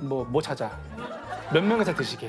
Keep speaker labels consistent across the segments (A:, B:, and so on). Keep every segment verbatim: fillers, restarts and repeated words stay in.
A: 뭐, 뭐 찾아. 몇 명에서 드시게.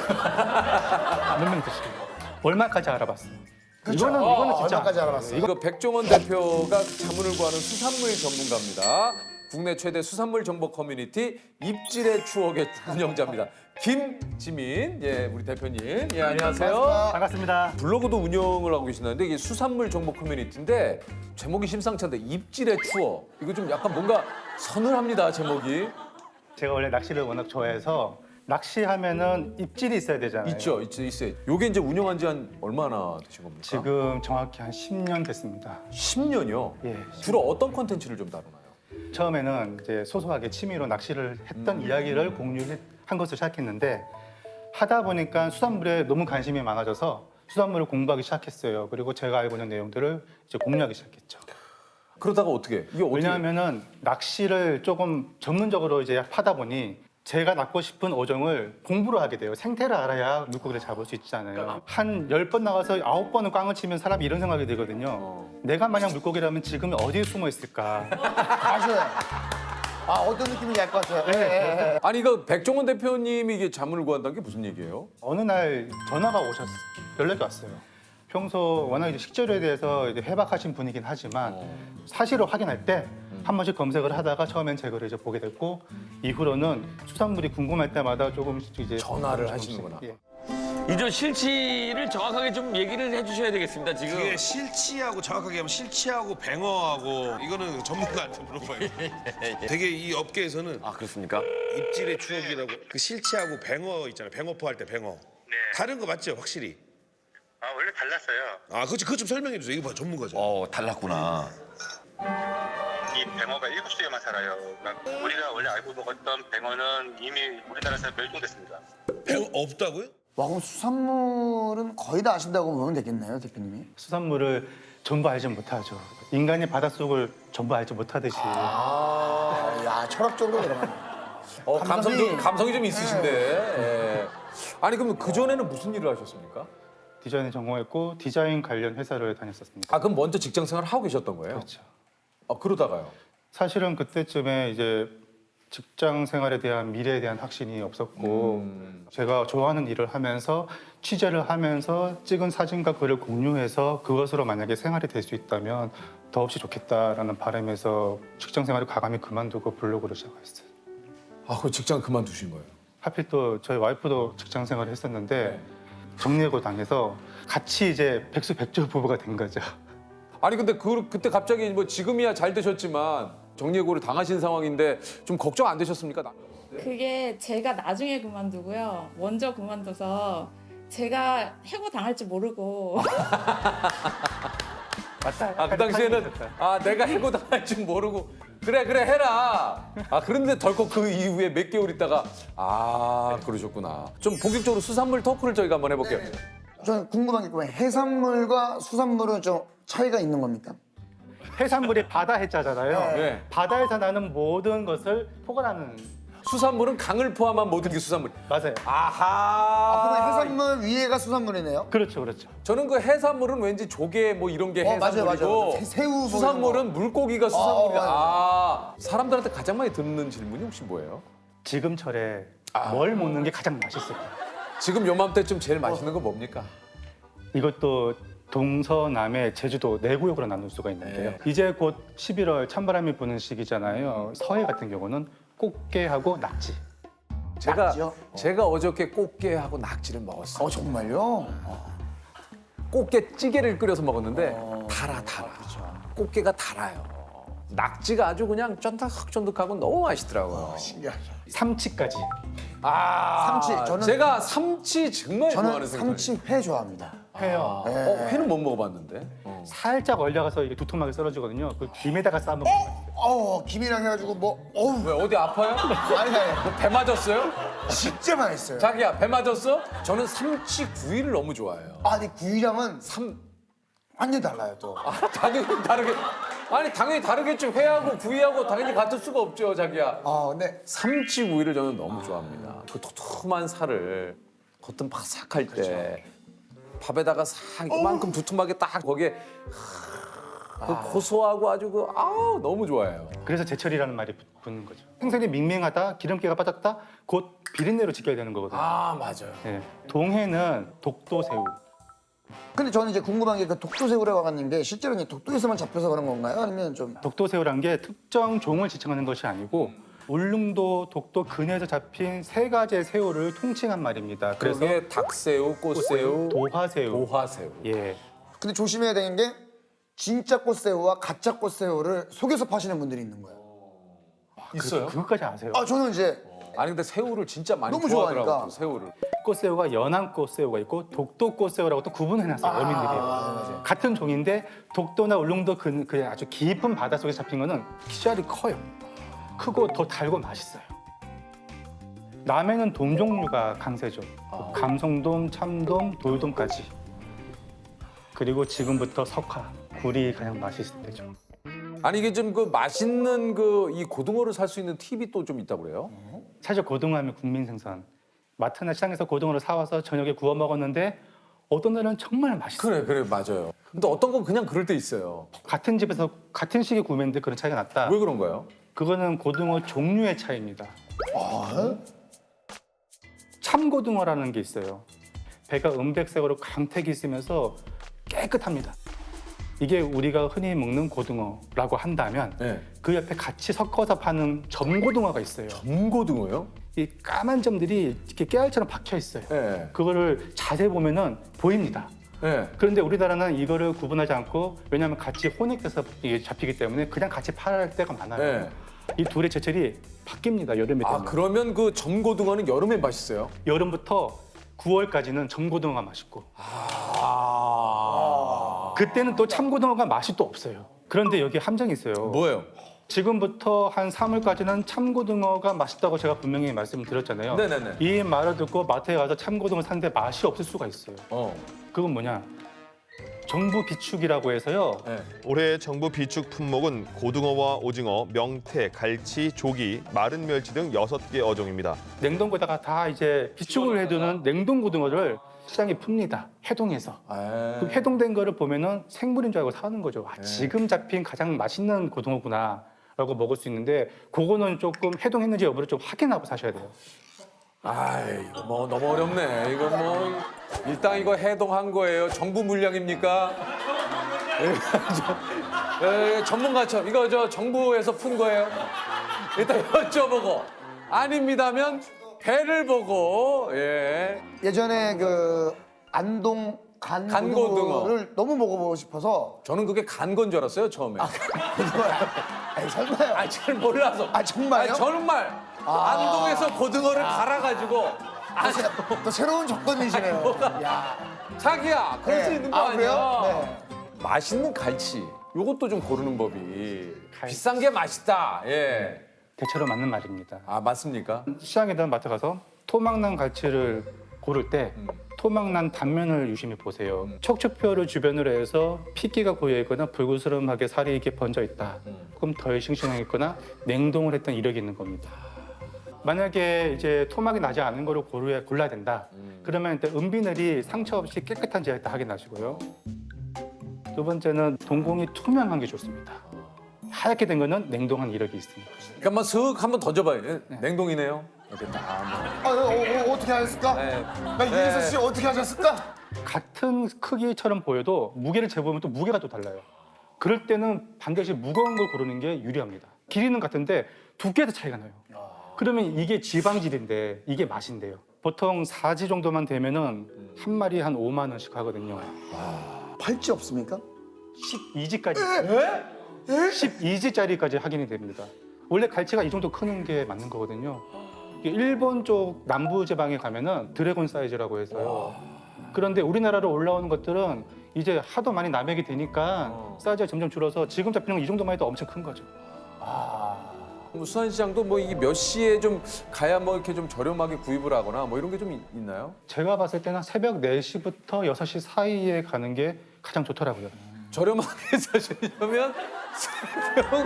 A: 몇 명 드시게. 얼마까지 알아봤어. 이거는, 이거는 진짜.
B: 얼마까지 알아봤어요?
C: 이거 백종원 대표가 자문을 구하는 수산물 전문가입니다. 국내 최대 수산물 정보 커뮤니티 입질의 추억의 운영자입니다. 김지민, 예, 우리 대표님, 예, 안녕하세요.
A: 반갑습니다.
C: 블로그도 운영을 하고 계시는데 이게 수산물 정보 커뮤니티인데 제목이 심상치 않은데 입질의 추억. 이거 좀 약간 뭔가 서늘합니다, 제목이.
A: 제가 원래 낚시를 워낙 좋아해서 낚시하면은 입질이 있어야 되잖아요.
C: 있죠, 있죠, 있어요. 요게 이제 운영한 지 한 얼마나 되신 겁니까?
A: 지금 정확히 한 십 년 됐습니다.
C: 십 년이요?
A: 예.
C: 주로 어떤 콘텐츠를 좀 다루나요?
A: 처음에는 이제 소소하게 취미로 낚시를 했던 이야기를 공유한 것을 시작했는데 하다 보니까 수산물에 너무 관심이 많아져서 수산물을 공부하기 시작했어요. 그리고 제가 알고 있는 내용들을 이제 공유하기 시작했죠.
C: 그러다가 어떻게? 이게 어떻게?
A: 왜냐하면은 낚시를 조금 전문적으로 이제 하다 보니 제가 낚고 싶은 어종을 공부를 하게 돼요. 생태를 알아야 물고기를 잡을 수 있잖아요. 한 열 번 나가서 아홉 번은 꽝을 치면 사람이 이런 생각이 들거든요.
C: 어.
A: 내가 만약 물고기라면 지금 어디에 숨어 있을까?
B: 맞아요. 아, 어떤 느낌인지 알 것 같아요. 예, 예, 예.
C: 아니 이거 백종원 대표님이 이게 자문을 구한다는 게 무슨 얘기예요?
A: 어느 날 전화가 오셨어요. 연락이 왔어요. 평소 워낙 이제 식재료에 대해서 이제 해박하신 분이긴 하지만
C: 어.
A: 사실을 확인할 때 한 번씩 검색을 하다가 처음엔 제 글을 이제 보게 됐고 이후로는 수산물이 궁금할 때마다 조금씩 이제
C: 전화를
A: 조금씩,
C: 하시는구나.
A: 예.
D: 이저 실치를 정확하게 좀 얘기를 해주셔야 되겠습니다. 지금
E: 이게 실치하고 정확하게 하면 실치하고 뱅어하고 이거는 전문가한테 물어봐요. 되게 이 업계에서는
D: 아 그렇습니까?
E: 입질의 추억이라고 그 실치하고 뱅어 있잖아요. 뱅어포 할 때 뱅어. 다른 거 맞죠? 확실히.
F: 아 원래 달랐어요.
E: 아, 그렇지. 그거 좀 설명해 주세요. 이거 봐, 전문가죠.
D: 어 달랐구나.
F: 이 뱅어가 일곱 시에만 살아요. 그러니까 우리가 원래 알고 먹었던 뱅어는 이미 우리나라에서 멸종됐습니다.
E: 뱅어 없다고요?
B: 와, 그럼 수산물은 거의 다 아신다고 보면 되겠네요, 대표님이.
A: 수산물을 전부 알지 못하죠. 인간이 바닷속을 전부 알지 못하듯이
B: 아, 야, 철학적으로 들어가네.
C: 어, 감성이,
B: 감성이-
C: 감성이 좀 있으신데. 예. 아니 그럼 그 전에는 무슨 일을 하셨습니까?
A: 디자인을 전공했고 디자인 관련 회사를 다녔었습니다.
C: 아 그럼 먼저 직장 생활을 하고 계셨던 거예요?
A: 그렇죠.
C: 아 그러다가요?
A: 사실은 그때쯤에 이제 직장 생활에 대한 미래에 대한 확신이 없었고
C: 음.
A: 제가 좋아하는 일을 하면서 취재를 하면서 찍은 사진과 글을 공유해서 그것으로 만약에 생활이 될 수 있다면 더없이 좋겠다라는 바람에서 직장 생활을 과감히 그만두고 블로그를 시작했어요.
C: 아 그 직장 그만두신 거예요?
A: 하필 또 저희 와이프도 직장 생활을 했었는데 정리해고 당해서 같이 이제 백수백조 부부가 된 거죠.
C: 아니 근데 그 그때 갑자기 뭐 지금이야 잘 되셨지만 정리해고를 당하신 상황인데 좀 걱정 안 되셨습니까? 나-
G: 그게 제가 나중에 그만두고요. 먼저 그만둬서 제가 해고 당할지 모르고
A: 맞다.
C: 아 그 당시에는 아 내가 해고 당할 줄 모르고 그래 그래 해라. 아 그런데 덜컥 그 이후에 몇 개월 있다가 아 그러셨구나. 좀 본격적으로 수산물 토크를 저희가 한번 해볼게요.
B: 저는 궁금한 게 있고 해산물과 수산물은 좀 차이가 있는 겁니까?
A: 해산물이 바다 해자잖아요.
C: 네.
A: 바다에서 나는 모든 것을 포괄하는
C: 수산물은 강을 포함한 모든 게 수산물.
A: 맞아요.
C: 아하.
B: 아, 그러면 해산물 위에가 수산물이네요?
A: 그렇죠, 그렇죠.
C: 저는 그 해산물은 왠지 조개 뭐 이런 게
B: 어, 맞아요,
C: 해산물이고
B: 맞아요. 새- 새우 뭐
C: 수산물은 물고기가 수산물이다.
B: 어,
C: 아, 사람들한테 가장 많이 듣는 질문이 혹시 뭐예요?
A: 지금철에
C: 아.
A: 뭘 먹는 게 가장 맛있을까?
C: 지금 요맘때쯤 제일 맛있는 거 뭡니까?
A: 이것도 동서남의 제주도 네 구역으로 나눌 수가 있는데요. 이제 곧 십일월 찬바람이 부는 시기잖아요. 서해 같은 경우는 꽃게하고 낙지.
C: 제가
B: 낙지요?
C: 제가 어저께 꽃게하고 낙지를 먹었어요.
B: 어, 정말요?
C: 꽃게 찌개를 끓여서 먹었는데 달아 달아. 꽃게가 달아요. 낙지가 아주 그냥 쫀득쫀득하고 너무 맛있더라고요.
B: 신기하죠.
A: 삼치까지.
C: 아,
B: 삼치, 저는-
C: 제가 삼치 정말
B: 저는
C: 좋아하는 생선.
B: 삼치 회 좋아합니다.
A: 회요.
C: 어, 회는 못 먹어봤는데. 어.
A: 살짝 얼려가서 이게 두툼하게 썰어지거든요. 그 김에다가 싸 먹으면
B: 어, 김이랑 해가지고 뭐, 어우,
C: 왜 어디 아파요?
B: 아니, 아니,
C: 배 맞았어요?
B: 진짜 맛있어요.
C: 자기야 배 맞았어? 저는 삼치 구이를 너무 좋아해요.
B: 아, 근데 구이랑은
C: 삼
B: 완전 달라요, 또.
C: 아, 당연히 다르게 아니 당연히 다르겠죠. 회하고 구이하고 당연히 같을 수가 없죠, 자기야.
B: 아, 근데
C: 삼치 구이를 저는 너무 좋아합니다. 그 도톰한 살을 겉은 바삭할 때 밥에다가 싹 이만큼 두툼하게 딱 거기에 그 고소하고 아주 그 아우 너무 좋아해요.
A: 그래서 제철이라는 말이 붙- 붙는 거죠. 생선이 밍밍하다, 기름기가 빠졌다, 곧 비린내로 지켜야 되는 거거든요.
C: 아 맞아요.
A: 네. 동해는 독도새우.
B: 근데 저는 이제 궁금한 게 그 독도새우라고 하는 게 실제로 이제 독도에서만 잡혀서 그런 건가요? 아니면 좀
A: 독도새우란 게 특정 종을 지칭하는 것이 아니고 울릉도, 독도 근해에서 잡힌 세 가지의 새우를 통칭한 말입니다. 그래서
C: 그게 닭새우, 꽃새우,
A: 도화새우.
C: 도화새우.
A: 예.
B: 근데 조심해야 되는 게 진짜 꽃새우와 가짜 꽃새우를 속여서 파시는 분들이 있는 거예요.
C: 있어요?
A: 그것까지 아세요?
B: 아 저는 이제
C: 아니 근데 새우를 진짜 많이
B: 너무
C: 좋아하더라고요.
B: 좋아하니까.
C: 또 새우를.
A: 꽃새우가 연안 꽃새우가 있고 독도 꽃새우라고 또 구분해놨어요. 어민들이. 같은 종인데 독도나 울릉도 그, 그 아주 깊은 바닷속에 잡힌 거는 씨알이 커요. 크고 더 달고 맛있어요. 남해는 돔 종류가 강세죠. 감성돔, 참돔, 돌돔까지. 그리고 지금부터 석화, 굴이 가장 맛있을 때죠.
C: 아니 이게 좀 그 맛있는 그 이 고등어를 살 수 있는 팁이 또 좀 있다고 그래요?
A: 사실 고등어하면 국민 생선. 마트나 시장에서 고등어를 사와서 저녁에 구워 먹었는데 어떤 날은 정말 맛있어요.
C: 그래 그래 맞아요. 근데 어떤 건 그냥 그럴 때 있어요.
A: 같은 집에서 같은 시기에 구매했는데 그런 차이가 났다.
C: 왜 그런 거예요?
A: 그거는 고등어 종류의 차이입니다. 참고등어라는 게 있어요. 배가 은백색으로 광택이 있으면서 깨끗합니다. 이게 우리가 흔히 먹는 고등어라고 한다면
C: 네.
A: 그 옆에 같이 섞어서 파는 점고등어가 있어요.
C: 금고등어요?
A: 이 까만 점들이 이렇게 깨알처럼 박혀 있어요.
C: 네.
A: 그거를 자세히 보면은 보입니다.
C: 네.
A: 그런데 우리나라는 이거를 구분하지 않고 왜냐하면 같이 혼액돼서 이게 잡히기 때문에 그냥 같이 팔 때가 많아요.
C: 네.
A: 이 둘의 제철이 바뀝니다. 여름에
C: 아
A: 되면.
C: 그러면 그 점고등어는 여름에 맛있어요?
A: 여름부터 구월까지는 점고등어가 맛있고
C: 아.
A: 그때는 또 참고등어가 맛이 또 없어요. 그런데 여기 함정이 있어요.
C: 뭐예요?
A: 지금부터 한 삼월까지는 참고등어가 맛있다고 제가 분명히 말씀드렸잖아요.
C: 네네네.
A: 이 말을 듣고 마트에 가서 참고등어 샀는데 맛이 없을 수가 있어요.
C: 어.
A: 그건 뭐냐? 정부 비축이라고 해서요.
C: 네.
H: 올해 정부 비축 품목은 고등어와 오징어, 명태, 갈치, 조기, 마른 멸치 등 여섯 개 어종입니다.
A: 냉동고에다가 다 이제 비축을 해두는 냉동고등어를 시장에 풉니다. 해동해서.
C: 아.
A: 그 해동된 거를 보면은 생물인 줄 알고 사는 거죠. 아,
C: 네.
A: 지금 잡힌 가장 맛있는 고등어구나 라고 먹을 수 있는데 그거는 조금 해동했는지 여부를 좀 확인하고 사셔야 돼요.
C: 아이, 이거 뭐 너무 어렵네. 이거 뭐 일단 이거 해동한 거예요. 정부 물량입니까? 예, 저, 예, 전문가처럼 이거 저 정부에서 푼 거예요. 일단 여쭤보고 아닙니다면 배를 보고 예.
B: 예전에 그 안동 간
C: 간고등어.
B: 고등어를 너무 먹어보고 싶어서
C: 저는 그게 간 건 줄 알았어요 처음에.
B: 아니 설마요?
C: 아, 잘 몰라서.
B: 아, 정말요?
C: 아니, 정말 안동에서 고등어를 갈아가지고 아,
B: 또 새로운 접근이시네요. 야.
C: 자기야 그럴 수
B: 네.
C: 있는 거
B: 아,
C: 아니야?
B: 그래요? 네.
C: 맛있는 갈치. 요것도 좀 고르는 법이 비싼 게 맛있다. 예.
A: 대체로 맞는 말입니다.
C: 아 맞습니까?
A: 시장이든 마트 가서 토막난 갈치를 고를 때
C: 음.
A: 토막난 단면을 유심히 보세요. 척추뼈를 주변으로 해서 핏기가 고여 있거나 불구스름하게 살이 이렇게 번져 있다.
C: 음.
A: 그럼 덜 싱싱하겠거나 냉동을 했던 이력이 있는 겁니다. 만약에 이제 토막이 나지 않은 거를 고르야, 골라야 된다.
C: 음.
A: 그러면 일단 은비늘이 상처 없이 깨끗한지 일단 확인하시고요. 두 번째는 동공이 투명한 게 좋습니다. 하얗게 된 거는 냉동한 이력이 있습니다.
C: 그러니까 한번 슥 한번 던져봐요. 예, 냉동이네요. 이렇게 딱.
B: 아, 어, 어, 어떻게 하셨을까?
C: 네.
B: 나 유재석 씨 어떻게 하셨을까?
A: 같은 크기처럼 보여도 무게를 재보면 또 무게가 또 달라요. 그럴 때는 반드시 무거운 걸 고르는 게 유리합니다. 길이는 같은데 두께에서 차이가 나요. 그러면 이게 지방질인데 이게 맛인데요. 보통 사지 정도만 되면은 한 마리 한 오만 원씩 하거든요.
B: 팔찌 없습니까?
A: 십이 지까지. 십이 지짜리까지 확인이 됩니다. 원래 갈치가 이 정도 크는 게 맞는 거거든요. 이게 일본 쪽 남부 지방에 가면은 드래곤 사이즈라고 해서요. 그런데 우리나라로 올라오는 것들은 이제 하도 많이 남획이 되니까 사이즈가 점점 줄어서 지금 잡히는 건 이 정도만 해도 엄청 큰 거죠.
C: 뭐 수산시장도 뭐 이게 몇 시에 좀 가야 뭐 이렇게 좀 저렴하게 구입을 하거나 뭐 이런 게 좀 있나요?
A: 제가 봤을 때는 새벽 네 시부터 여섯 시 사이에 가는 게 가장 좋더라고요.
C: 저렴하게 사시려면 새벽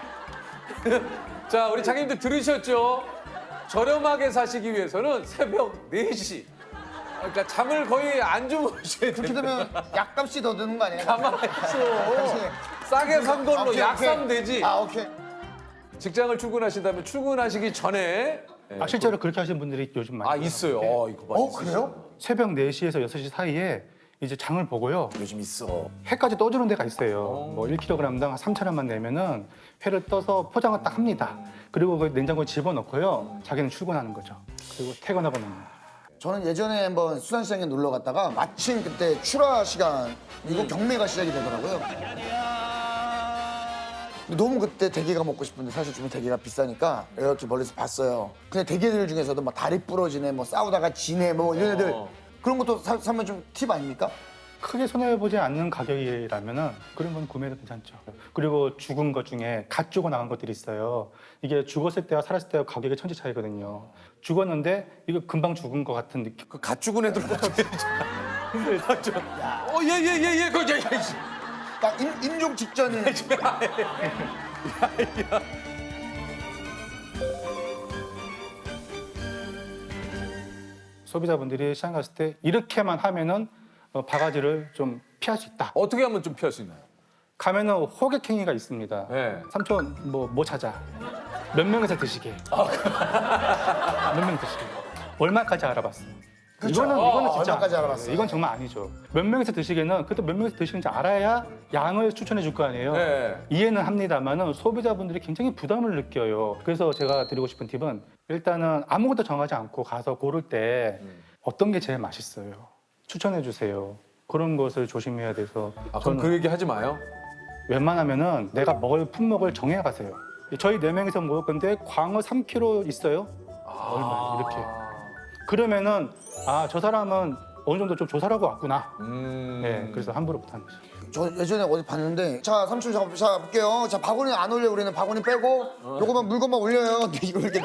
C: 자 우리 장님들 들으셨죠? 저렴하게 사시기 위해서는 새벽 네 시 그러니까 잠을 거의 안 주무셔야
B: 그렇게
C: 돼요.
B: 되면 약값이 더 드는 거 아니에요?
C: 가만히 있어. 싸게 산 걸로
B: 오케이,
C: 약
B: 오케이.
C: 사면 되지.
B: 아 오케이.
C: 직장을 출근하신다면 출근하시기 전에
A: 아, 실제로 그렇게 하시는 분들이 요즘 많이
C: 아 있어요. 어, 이거 봐.
B: 어 그래요?
A: 새벽 네 시에서 여섯 시 사이에 이제 장을 보고요.
C: 요즘 있어.
A: 회까지 떠주는 데가 있어요. 뭐 일 킬로그램당 삼천 원만 내면은 회를 떠서 포장을 딱 합니다. 그리고 그 냉장고에 집어넣고요. 자기는 출근하는 거죠. 그리고 퇴근하고 나면.
B: 저는 예전에 한번 수산시장에 놀러 갔다가 마침 그때 출하 시간 이거 경매가 시작이 되더라고요. 근데 너무 그때 대게가 먹고 싶은데 사실 좀 대게가 비싸니까 이렇게 멀리서 봤어요. 근데 대게들 중에서도 뭐 다리 부러지네, 뭐 싸우다가 지네, 뭐 이런 애들
C: 어.
B: 그런 것도 사, 사면 좀 팁 아닙니까?
A: 크게 손해보지 않는 가격이라면은 그런 건 구매도 괜찮죠. 그리고 죽은 것 중에 갓 죽어 나간 것들이 있어요. 이게 죽었을 때와 살았을 때와 가격의 천지 차이거든요. 죽었는데 이거 금방 죽은 것 같은 느낌.
C: 그갓 죽은 애들 어떻게 어예예예예 그 야, 야, 야.
B: 딱 임, 임종 직전에
A: 소비자분들이 시장 갔을 때 이렇게만 하면은 어, 바가지를 좀 피할 수 있다.
C: 어떻게 하면 좀 피할 수 있나요?
A: 가면은 호객행위가 있습니다.
C: 네.
A: 삼촌 뭐 뭐 찾아? 몇 명에서 드시게? 몇 명 드시게? 얼마까지 알아봤어?
B: 그렇죠.
A: 이거는
B: 어,
A: 이거는 진짜
B: 얼마까지
A: 아니에요.
B: 알아봤어요?
A: 이건 정말 아니죠. 몇 명에서 드시게는 그것도 몇 명에서 드시는지 알아야 양을 추천해 줄 거 아니에요.
C: 네.
A: 이해는 합니다만은 소비자분들이 굉장히 부담을 느껴요. 그래서 제가 드리고 싶은 팁은 일단은 아무것도 정하지 않고 가서 고를 때 어떤 게 제일 맛있어요? 추천해 주세요. 그런 것을 조심해야 돼서
C: 아, 그럼 그 얘기 하지 마요.
A: 웬만하면은 내가 먹을 품목을 정해 가세요. 저희 네 명이서 먹을 건데 광어 삼 킬로그램 있어요? 얼마 이렇게. 그러면은 아, 저 사람은 어느 정도 좀 조사를 하고 왔구나.
C: 음.
A: 네, 그래서 함부로 못하는 거죠.
B: 저 예전에 어디 봤는데 자 삼촌 자, 자 볼게요. 자 바구니 안 올려 우리는 바구니 빼고 요거만 물건만 올려요. 근데 이걸 이렇게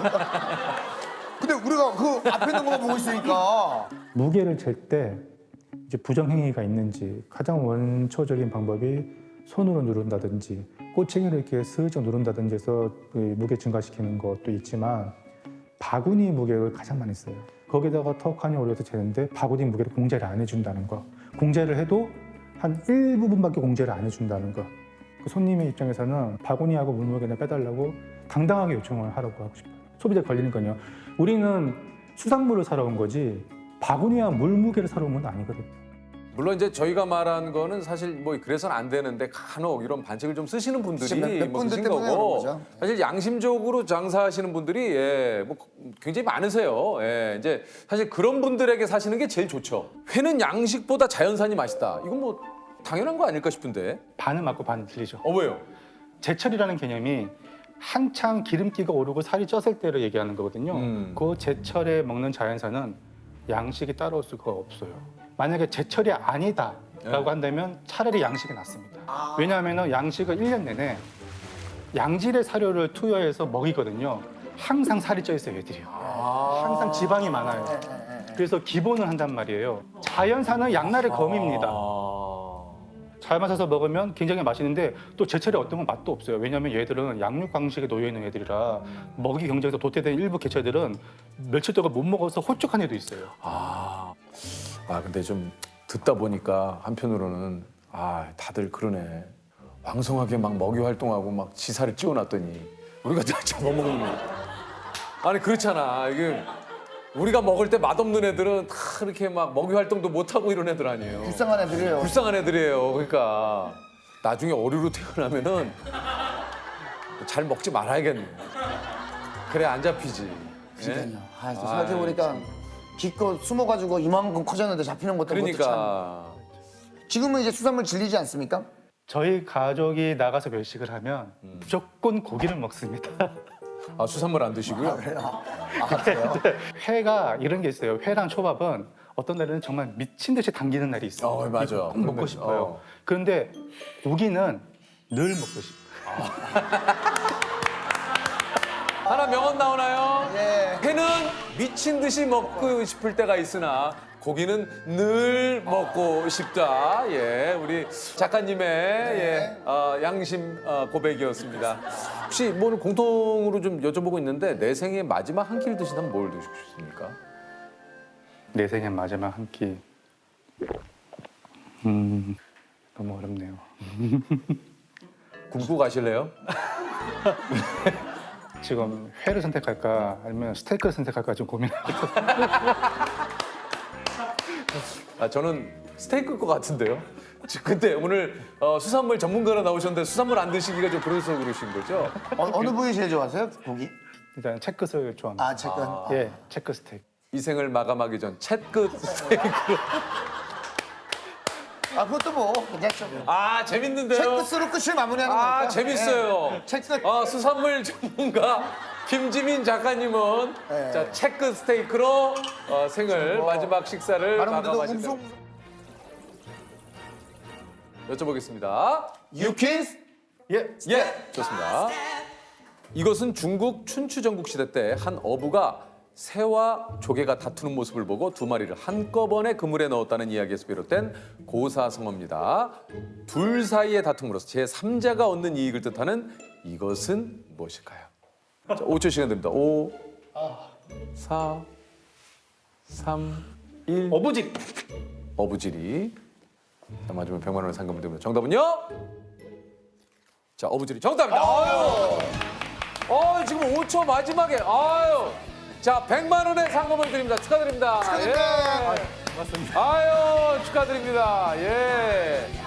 B: 근데 우리가 그 앞에 있는 것만 보고 있으니까
A: 무게를 잴 때 이제 부정행위가 있는지 가장 원초적인 방법이 손으로 누른다든지 꼬챙이를 이렇게 슬쩍 누른다든지 해서 그 무게 증가시키는 것도 있지만 바구니 무게를 가장 많이 써요. 거기다가 턱하니 올려서 재는데 바구니 무게를 공제를 안 해준다는 거. 공제를 해도 한 일부분밖에 공제를 안 해준다는 거. 그 손님의 입장에서는 바구니하고 물무게나 빼달라고 당당하게 요청을 하라고 하고 싶어요. 소비자 걸리는 건요. 우리는 수산물을 사러 온 거지 바구니와 물무게를 사러 온 건 아니거든요.
C: 물론 이제 저희가 말한 거는 사실 뭐 그래서는 안 되는데 간혹 이런 반칙을 좀 쓰시는 분들이
B: 몇- 몇
C: 뭐
B: 분들
C: 계신
B: 때문에 그런
C: 거고
B: 거죠.
C: 사실 양심적으로 장사하시는 분들이 예, 뭐 굉장히 많으세요. 예, 이제 사실 그런 분들에게 사시는 게 제일 좋죠. 회는 양식보다 자연산이 맛있다. 이건 뭐 당연한 거 아닐까 싶은데.
A: 반은 맞고 반은 틀리죠.
C: 어 왜요?
A: 제철이라는 개념이 한창 기름기가 오르고 살이 쪘을 때를 얘기하는 거거든요.
C: 음.
A: 그 제철에 먹는 자연산은 양식이 따라올 수가 없어요. 만약에 제철이 아니다라고
C: 네.
A: 한다면 차라리 양식이 낫습니다. 왜냐하면 양식은 일 년 내내 양질의 사료를 투여해서 먹이거든요. 항상 살이 쪄 있어요, 애들이요. 항상 지방이 많아요. 그래서 기본을 한단 말이에요. 자연산은 양날의 검입니다.
C: 아...
A: 잘 맞아서 먹으면 굉장히 맛있는데 또 제철에 어떤 건 맛도 없어요. 왜냐하면 얘들은 양육 방식에 놓여 있는 애들이라 먹이 경쟁에서 도태된 일부 개체들은 며칠 동안 못 먹어서 호쭉한 애도 있어요.
C: 아, 아 근데 좀 듣다 보니까 한편으로는 아 다들 그러네. 왕성하게 막 먹이 활동하고 막 지사를 찌워놨더니 우리가 다 잡아먹는 거. 아니 그렇잖아. 이게 우리가 먹을 때 맛없는 애들은 다 이렇게 막 먹이 활동도 못 하고 이런 애들 아니에요.
B: 불쌍한 애들이에요.
C: 불쌍한 애들이에요. 그러니까 나중에 어류로 태어나면은 잘 먹지 말아야겠네. 그래 안 잡히지.
B: 그러니까요. 아, 또
C: 아,
B: 생각해보니까 기껏 숨어가지고 이만큼 커졌는데 잡히는 것도 그것도 참.
C: 그러니까
B: 지금은 이제 수산물 질리지 않습니까?
A: 저희 가족이 나가서 외식을 하면 무조건 고기를 먹습니다.
C: 아, 수산물 안 드시고요.
B: 아 그래요?
A: 회가 이런 게 있어요. 회랑 초밥은 어떤 날에는 정말 미친 듯이 당기는 날이 있어요.
C: 어, 맞아.
A: 이거 꼭 먹고
C: 그런
A: 싶어요.
C: 어.
A: 그런데 고기는 늘 먹고 싶어요.
C: 하나 명언 나오나요?
B: 예.
C: 회는 미친 듯이 먹고 싶을 때가 있으나 고기는 늘 먹고 싶다. 예, 우리 작가님의 예, 어, 양심 어, 고백이었습니다. 혹시 뭐 오늘 공통으로 좀 여쭤보고 있는데 내 생의 마지막 한 끼를 드신다면 뭘 드시고 싶습니까?
A: 내 생의 마지막 한 끼. 음, 너무 어렵네요.
C: 굶고 가실래요?
A: 지금 회를 선택할까 아니면 스테이크를 선택할까 좀 고민하고 있어요.
C: 아, 저는 스테이크일 것 같은데요. 지- 근데 오늘 어, 수산물 전문가로 나오셨는데 수산물 안 드시기가 좀 그래서 그러신 거죠?
B: 어, 어느 부위 제일 좋아하세요? 고기?
A: 일단 채끝을 좋아합니다.
B: 아, 채끝.
A: 예, 채끝 스테이크.
C: 이 생을 마감하기 전 채끝 스테이크로.
B: 아, 그것도 뭐 괜찮죠.
C: 아, 재밌는데요?
B: 채끝으로 끝을 마무리하는
C: 아,
B: 거니까.
C: 재밌어요.
B: 예. 채끝.
C: 아, 수산물 전문가 김지민 작가님은
B: 네.
C: 자 채끝 스테이크로 어, 생을 마지막 식사를
B: 많은 분들도
C: 마감하신다.
B: 웅성
C: 여쭤보겠습니다. 유키스?
A: 예,
C: 예, 좋습니다. 이것은 중국 춘추 전국 시대 때 한 어부가 새와 조개가 다투는 모습을 보고 두 마리를 한꺼번에 그물에 넣었다는 이야기에서 비롯된 고사성어입니다. 둘 사이의 다툼으로서 제삼자가 얻는 이익을 뜻하는 이것은 무엇일까요? 자, 오 초 시간 됩니다. 오, 사, 삼, 일.
A: 어부집.
C: 어부지리. 자, 맞으면 백만 원의 상금을 드립니다. 정답은요? 자, 어부지리 정답입니다. 아유. 어, 지금 오 초 마지막에. 아유. 자, 백만 원의 상금을 드립니다. 축하드립니다.
B: 축하드립니다.
C: 예. 아유, 축하드립니다. 예.